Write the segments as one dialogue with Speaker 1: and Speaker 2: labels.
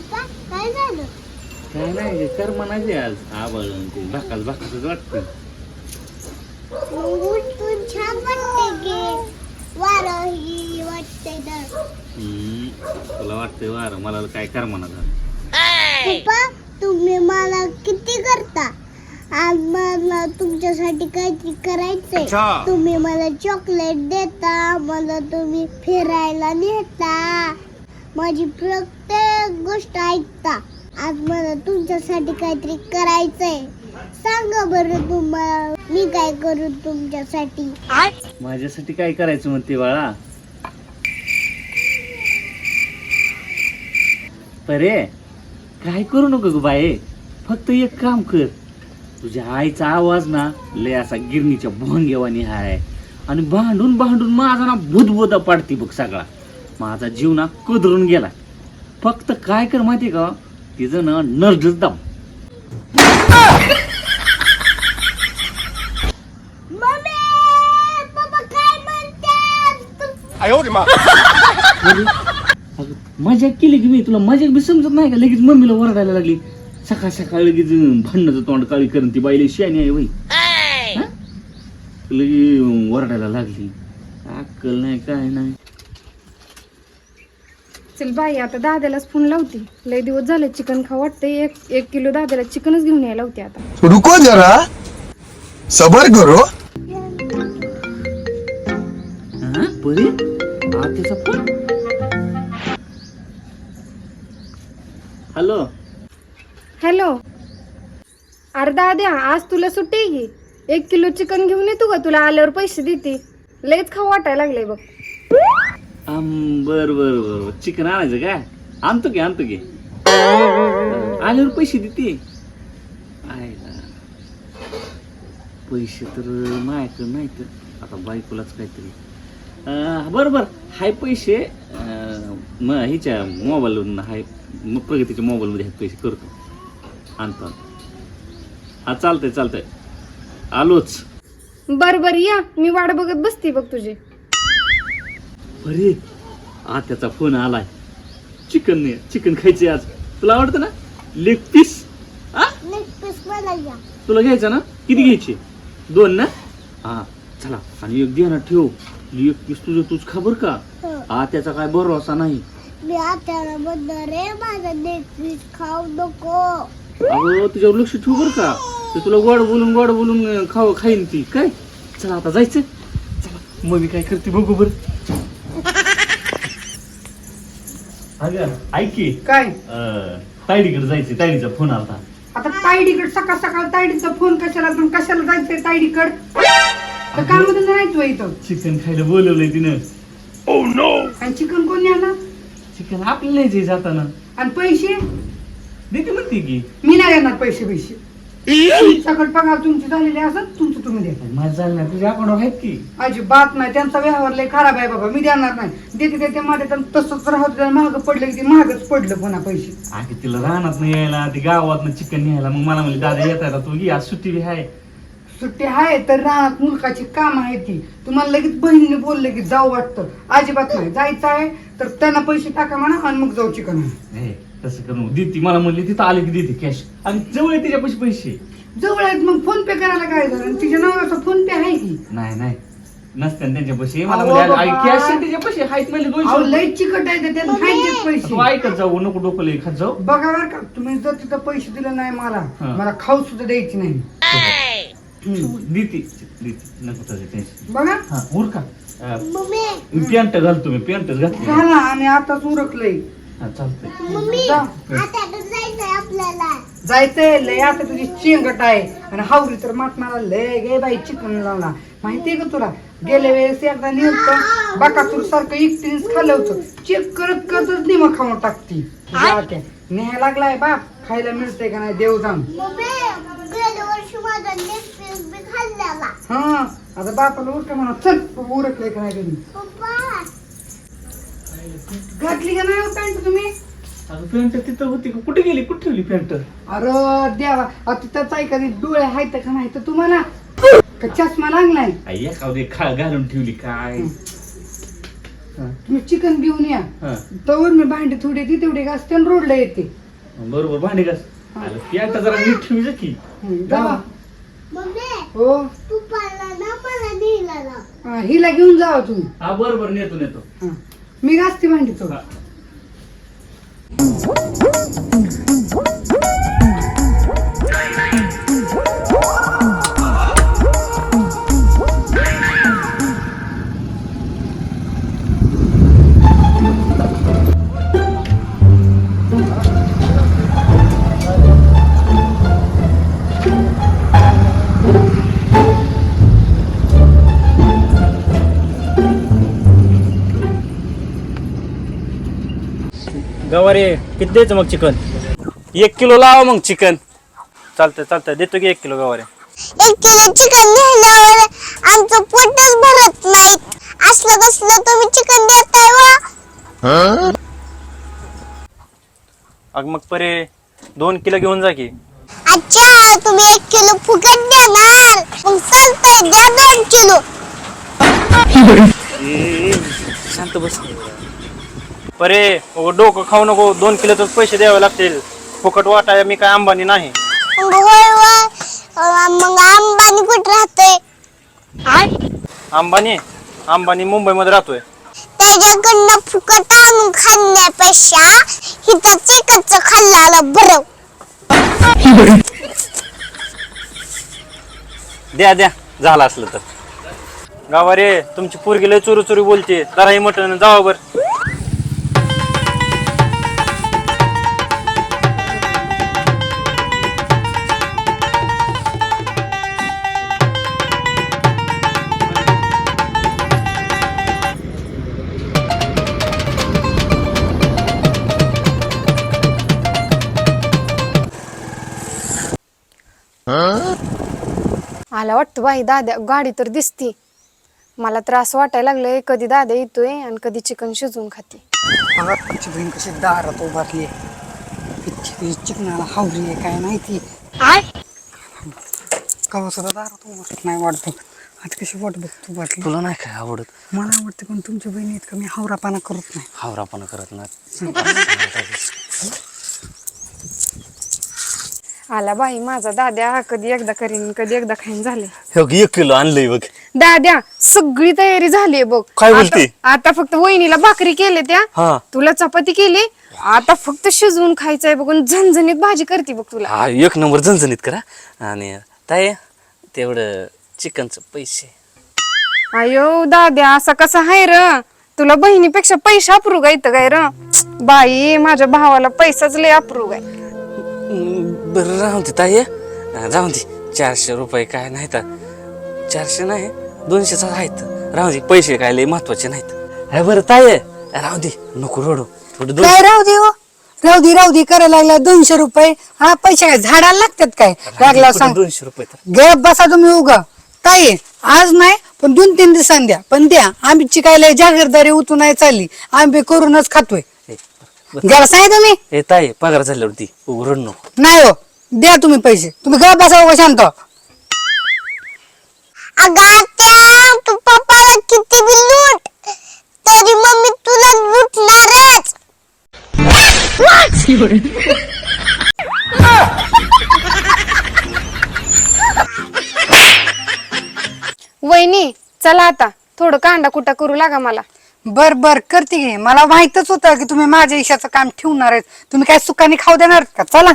Speaker 1: पप्पा काय झालं?
Speaker 2: काय नाही कर म्हणायचे आज आबळ ते भाकाच भाकाच वाटतं.
Speaker 1: उठून छान वाटते की वारं ही वाटते तर.
Speaker 2: तुला वाटतंय वार मला काय कर म्हणा
Speaker 1: पप्पा तुम्ही मला किती करता. आज मला तुमच्यासाठी काहीतरी करायचंय. तुम्ही मला चॉकलेट देता, मला तुम्ही फिरायला नेता, माझी प्रत्येक गोष्ट ऐकता. आज मला तुमच्यासाठी काहीतरी करायचंय. सांगा बरं तुम्हाला मी काय करू तुमच्यासाठी.
Speaker 2: माझ्यासाठी काय करायचं म्हणते बाळा. परे काय करू नको ग बाये, फक्त एक काम कर. तुझ्या आईचा आवाज ना लय असा गिरणीच्या भोंगेवानी हाय आणि भांडून भांडून माझा ना भूतभूता पाडती बघ सगळा. माझा जीव ना कदरून गेला. फक्त काय कर माहिती का, तिचं ना नर्डच दाब.
Speaker 1: मम्मी पप्पा काय म्हणतात.
Speaker 2: मजाक केली की मी, तुला मजाक बी समजत नाही का. लगेच मम्मीला ओरडायला लागली. सकाळ सकाळ लगेच भांडणाचं तोंड काळी करून ती बाईला शानी आहे बाई. लगे ओरडायला लागली. अक्कल नाही काय नाही.
Speaker 3: चल बाई आता दाद्यालाच फोन लावते. लय दिवस झाले चिकन खाऊ वाटते. एक किलो दाद्याला चिकनच घेऊन यायला होते. आता
Speaker 4: रुको जरा सबर करो.
Speaker 2: बरे आत्याचा फोन. Hello
Speaker 3: hello. अरे दाद्या आज तुला सुट्टी आहे की. 1 किलो चिकन घेऊन येतो का, तुला आल्यावर पैसे देते. लयच खाऊ वाटायला लागले बघ.
Speaker 2: बर बर बर चिकन आणायचं काय. आणतो की आल्यावर पैसे देते. पैसे तर माझ्याकडे नाही तर आता बायकोलाच काहीतरी. बरोबर हाय पैसे हिच्या मोबाईलवरून हाय, प्रगतीच्या मोबाईलमध्ये आहेत पैसे. करतो आणतो. हा चालतंय आलोच.
Speaker 3: बर या, मी वाट बघत बसते बघ तुझी.
Speaker 2: अरे आत्याचा फोन आलाय. चिकन खायचे आज. तुला आवडतं ना लेग पीस.
Speaker 1: मला या.
Speaker 2: तुला घ्यायचं ना. किती घ्यायचे. 2 ना. हा चला. आणि एक ध्यानात ठेव, लेग पीस तुझं तूच खा बर का. आत्याचा काय भरोसा नाही.
Speaker 1: मी आत्याला म्हणणार रे माझा नेटफ्लिक्स खाऊ नको.
Speaker 2: अगं तुझ्यावर लक्ष ठेव बर का. ते तुला गोड बोलून खाईन ती काय. चला आता जायचं. चला मग मी काय करते बघू बर. अगं ऐक की
Speaker 5: काय
Speaker 2: तायडीकडे जायचं. तायडीचा फोन आला.
Speaker 5: आता तायडीकड सकाळ सकाळ तायडीचा फोन कशाला जायचंय तायडीकड. काम नाही इथं.
Speaker 2: चिकन खायला बोलवलंय तिनं.
Speaker 5: आणि चिकन कोण आणणार.
Speaker 2: चिकन आपल्याला नाही जाताना.
Speaker 5: आणि पैसे
Speaker 2: देते म्हणते की.
Speaker 5: मी नाही देणार पैसे. सकाळ पगार तुमची झालेली असत तुमचं तुम्ही द्या.
Speaker 2: माझं झालं नाही. तुझ्या अकाउंटवर आहेत की.
Speaker 5: अजिबात नाही. त्यांचा व्यवहार लय खराब आहे बाबा. मी देणार नाही. देते माझ्या तसंच राहत. महाग पडलं की महागच पडलं पुन्हा पैसे.
Speaker 2: आधी तिला राहणार नाही यायला. ती गावात चिकन न्यायला. मग मला म्हणली दादा येत तू घे आज सुट्टी बी आहे.
Speaker 5: सुट्टी आहे तर रानात मुलकाची काम आहे ती. तुम्हाला लगेच बहिणीने बोलले की जाऊ वाटतं. अजिबात नाही. जायचं आहे तर त्यांना पैसे टाका म्हणा आणि मग जाऊ चिकन.
Speaker 2: तसं करू देते. मला म्हणली तिथं आले की देते कॅश. आणि जवळ आहे तिच्या पैसे
Speaker 5: जवळ आहेत मग फोन पे करायला काय झालं. तिच्या नावाचा फोन पे आहे की.
Speaker 2: नाही नसते त्यांच्या पैसे.
Speaker 5: अहो
Speaker 2: मला
Speaker 5: बाबा.
Speaker 2: कॅश तिच्या पैसे आहेत म्हणले 200.
Speaker 5: लय चिकट आहे त्यात खायचे पैसे.
Speaker 2: तू ऐकत जाऊ नको डोकं लई खात जाऊ.
Speaker 5: बघा बरं का तुम्ही जर तिथं पैसे दिले नाही मला खाऊ सुद्धा द्यायची नाही.
Speaker 2: देते नको त्याचं टेन्शन.
Speaker 5: बघा
Speaker 2: हा उरका.
Speaker 1: मम्मी
Speaker 2: पॅन्ट घालतो मी. पॅन्टच घातली.
Speaker 5: झाला आणि आताच उरकलंय.
Speaker 2: हा चालतंय.
Speaker 1: मम्मी
Speaker 5: जा.
Speaker 1: आत्याकडे जायचंय आपल्याला.
Speaker 5: जायचंय लय. आता तुझी चेंगट आहे आणि हावरी तर मला लय गे बाई चिकन लावला. माहितीये का तुला. गेल्या वेळेस एकदा नेमकं बाकासूर सारखं एकटीनेच खाल्लं होतं. चेक करतच निम खाऊन टाकती. न्याय लागलाय बाप. खायला मिळतंय का नाही देव जाऊन.
Speaker 1: मम्मी गेल्या वर्षी माझा नेटफ्लिक्स बी खाल्ल्याला.
Speaker 5: हा आता बापाला उरक म्हणा. चल उरकलंय का नाही घरी.
Speaker 1: पप्पा
Speaker 5: घातली का नाही पॅन्ट तुम्ही.
Speaker 2: पॅन्ट तिथं होती का. कुठे गेली. कुठे ठेवली पॅन्ट.
Speaker 5: अरे देवा. आता त्याचा एखादी डोळे आहेत का नाही तर तुम्हाला का चष्मा लागलाय.
Speaker 2: एखादी घालून ठेवली काय.
Speaker 5: तुम्ही चिकन घेऊन या. तवर मी भांडी थोडी ती तेवढी घासते आणि रोडला येते.
Speaker 2: बरोबर भांडी घास. अरे प्याट जरा नीट ठेवी की.
Speaker 5: जावा.
Speaker 1: मम्मी
Speaker 5: हो
Speaker 1: पप्पाला ना मला नेला ना.
Speaker 5: हा, हिला घेऊन जावा तुम्ही.
Speaker 2: हा बरोबर नेतो.
Speaker 5: हा. मी घासते भांडी तो.
Speaker 2: हा.
Speaker 6: गवारे किती द्यायचं मग चिकन? 1 किलो लावा मग चिकन. चालतंय देतो की 1 किलो गवारे.
Speaker 1: 1 किलो चिकन नेल्यावर आमचं पोटच भरत नाही. असलं कसलं तुम्ही चिकन देताय वा.
Speaker 6: अग मग परे 2 किलो घेऊन जा की.
Speaker 1: अच्छा तुम्ही 1 किलो फुकट देणार. मग चालतंय द्या 2 किलो.
Speaker 6: शांत बस परे. डोकं खाऊ नको. 2 किलोच पैसे द्यावे लागतील. फुकट वाटाय मी काय अंबानी नाही.
Speaker 1: मग होय वा. मग अंबानी कुठं राहतोय.
Speaker 6: अंबानी मुंबईमध्ये राहतोय.
Speaker 1: त्याच्याकडनं फुकट आणून खाण्यापेक्षा इथं चिकनचं खाल्ल्याला बरं.
Speaker 6: द्या झालं असलं तर. गावारे तुमची पोरगी लय चोरी बोलते. जरा हे मटण जावा बर.
Speaker 3: आला वाटतं बाई दाद्या. गाडी तर दिसती. मला तर असं वाटायला लागलंय कधी दादा येतोय आणि कधी चिकन शिजवून खाते.
Speaker 5: आमची बहीण कशी दारात उभारली आहे. चिकनाला हावरी आहे काय माहिती. कवा सुद्धा दारात उभारत नाही वाटतं. आज कशी वाट बघतो वाटली.
Speaker 6: तुला नाही काय आवडत?
Speaker 5: मला आवडते पण तुमच्या बहिणी इतकं मी हावरापणा करत नाही.
Speaker 6: हावरापणा करत नाही.
Speaker 3: आला बाई माझा दाद्या. कधी एकदा करीन कधी एकदा खाईन झाले.
Speaker 6: हे बघ 1 किलो आणलंय बघ.
Speaker 3: दाद्या सगळी तयारी झालीये बघ.
Speaker 6: काय बोलते?
Speaker 3: आता फक्त वहिनीला भाकरी केले त्या.
Speaker 6: हा
Speaker 3: तुला चपाती केली. आता फक्त शिजवून खायचंय बघून झणझणीत भाजी करते बघ तुला.
Speaker 6: हा 1 नंबर झणझणीत करा. आणि ताई तेवढं चिकनचं पैसे.
Speaker 3: अयो दाद्या असा कसा आहे र. तुला बहिणीपेक्षा पैसा अप्रूग आहे इथं काय र. बाई माझ्या भावाला पैसाच लय अप्रूग आहे.
Speaker 6: बरं राहून दे ताई. राहून दे. 400 रुपये काय नाही तर. 400 नाही 200च आहेत. राहू दे. पैसे काय लय महत्वाचे नाहीत. अरे बरं ताई राहू दे. नको रडू. थोडं
Speaker 5: काय राहू दे हो. राहू दे करायला लागला 200 रुपये. हा पैसे काय झाडाला लागतात काय. लागला सांग.
Speaker 6: 200 रुपये तर.
Speaker 5: गप बसा तुम्ही उगा. ताई आज नाही पण 2-3 दिवसांनी द्या. पण द्या. आमची काय लय जागीरदारी उतू नाही चालली. आम्ही करूनच खातोय. घ्यायला सांगितलं तुम्ही.
Speaker 6: ए ताई पगार झाल्यावरती रड नको.
Speaker 5: नाही हो द्या तुम्ही पैसे. तुम्ही गप बसा उगा शांत.
Speaker 1: अगं आत्या तू पप्पाला किती बी लूट तरी मम्मी तुला लुटणारच.
Speaker 3: वहिनी चला आता थोडं कांदा कुटा करू लागा मला.
Speaker 5: बर करते घे. मला माहितच होतं की तुम्ही माझ्या इशाचं काम ठेवणार आहेत. तुम्ही काय सुखाने खाऊ देणार का. चला.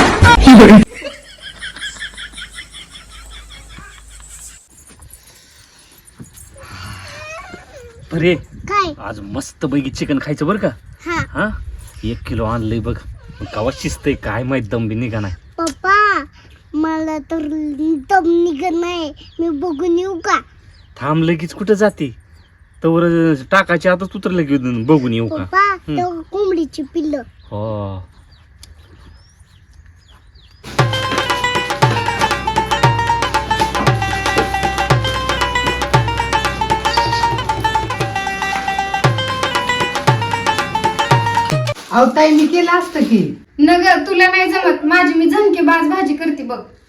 Speaker 2: अरे
Speaker 1: काय
Speaker 2: आज मस्त पैकी चिकन खायचं बरं का.
Speaker 1: हा
Speaker 2: हा 1 किलो आणलंय बघ. कवा शिजतंय काय माहित. दम बी निघा नाही.
Speaker 1: पप्पा मला तर दम निघत नाही. मी बघून येऊ का.
Speaker 2: थांब लगेच कुठं जाते. तर टाकायच्या आताच उतरलं की बघून येऊ का.
Speaker 1: पप्पा तो कोंबडीची पिल्लं.
Speaker 2: हो
Speaker 5: अहो ताई मी केलं असतं की.
Speaker 3: नगर तुला नाही जमत. माझी मी झणके बाज भाजी करते बघ.